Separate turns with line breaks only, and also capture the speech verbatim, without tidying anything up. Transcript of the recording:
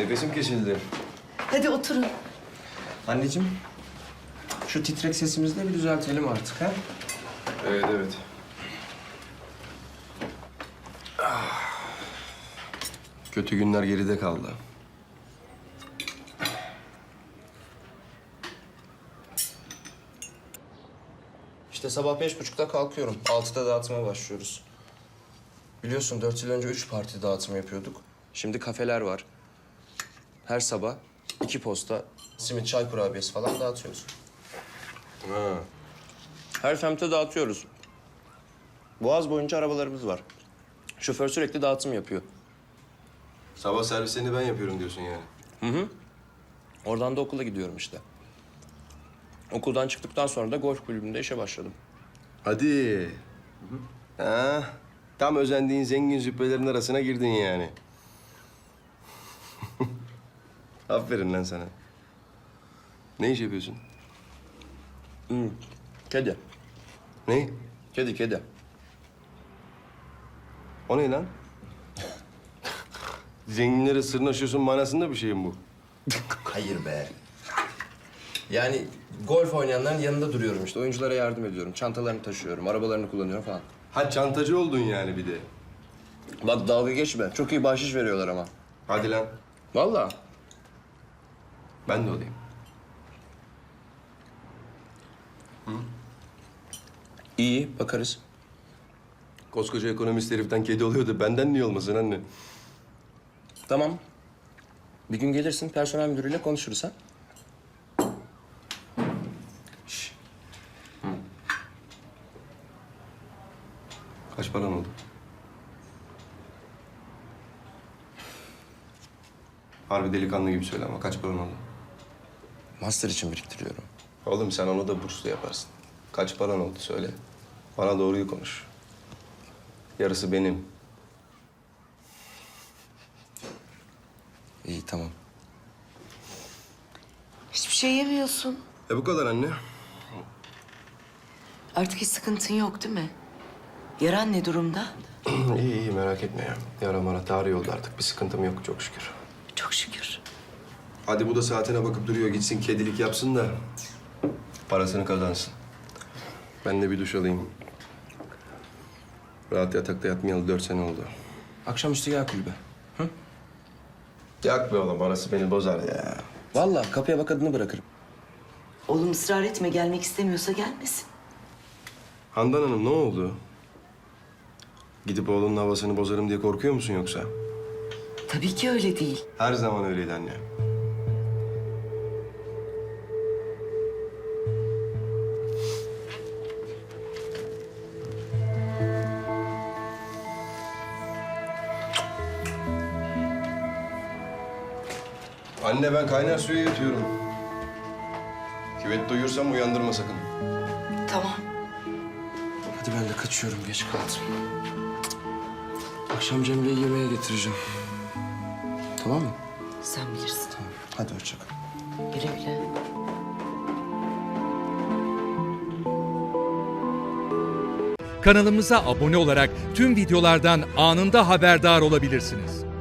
Nefesim kesildi.
Hadi oturun.
Anneciğim, şu titrek sesimizi de bir düzeltelim artık ha?
Evet, evet. Kötü günler geride kaldı.
İşte sabah beş buçukta kalkıyorum. Altıda dağıtıma başlıyoruz. Biliyorsun dört yıl önce üç parti dağıtımı yapıyorduk. Şimdi kafeler var. Her sabah iki posta simit, çay kurabiyesi falan dağıtıyoruz.
Ha.
Her semte dağıtıyoruz. Boğaz boyunca arabalarımız var. Şoför sürekli dağıtım yapıyor.
Sabah servislerini ben yapıyorum diyorsun yani.
Hı hı. Oradan da okula gidiyorum işte. Okuldan çıktıktan sonra da golf kulübünde işe başladım.
Hadi. Ha, tam özendiğin zengin züppelerin arasına girdin yani. Aferin lan sana. Ne iş yapıyorsun?
Hı. Kedi.
Ne?
Kedi, kedi.
O ne lan? Zenginlere sırnaşıyorsun manasında bir şey mi bu?
Hayır be. Yani golf oynayanların yanında duruyorum işte. Oyunculara yardım ediyorum. Çantalarını taşıyorum, arabalarını kullanıyorum falan.
Ha çantacı oldun yani bir de.
Bak dalga geçme. Çok iyi bahşiş veriyorlar ama.
Hadi lan.
Vallahi.
Ben de olayım.
İyi, bakarız.
Koskoca ekonomist heriften kedi oluyor da benden niye olmasın anne?
Tamam. Bir gün gelirsin, personel müdürüyle konuşuruz ha.
Şş. Kaç paran oldu? Harbi delikanlı gibi söyle ama kaç paran oldu?
Master için biriktiriyorum.
Oğlum sen onu da burslu yaparsın. Kaç paran oldu söyle. Bana doğruyu konuş. Yarısı benim.
İyi, tamam.
Hiçbir şey yemiyorsun.
E bu kadar anne.
Artık hiç sıkıntın yok değil mi? Yaran ne durumda?
iyi iyi merak etme ya. Yara mara tarih oldu artık. Bir sıkıntım yok çok şükür.
Çok şükür.
Hadi bu da saatine bakıp duruyor. Gitsin kedilik yapsın da parasını kazansın. Ben de bir duş alayım. Rahat yatakta yatmayalı dört sene oldu.
Akşamüstü gel kulübe. Hı?
Yak be oğlum. Orası beni bozar ya.
Vallahi kapıya bak adını bırakırım.
Oğlum ısrar etme, gelmek istemiyorsa gelmesin.
Handan Hanım ne oldu? Gidip oğlunun havasını bozarım diye korkuyor musun yoksa?
Tabii ki öyle değil.
Her zaman öyleydi anne. Anne ben kaynar suya yatıyorum. Küvet duyursam uyandırma sakın.
Tamam.
Hadi ben de kaçıyorum, geç kaldım. Akşam Cemile'yi yemeğe getireceğim. Tamam mı?
Sen bilirsin.
Tamam. Hadi hoşça kal.
Güle güle.
Kanalımıza abone olarak tüm videolardan anında haberdar olabilirsiniz.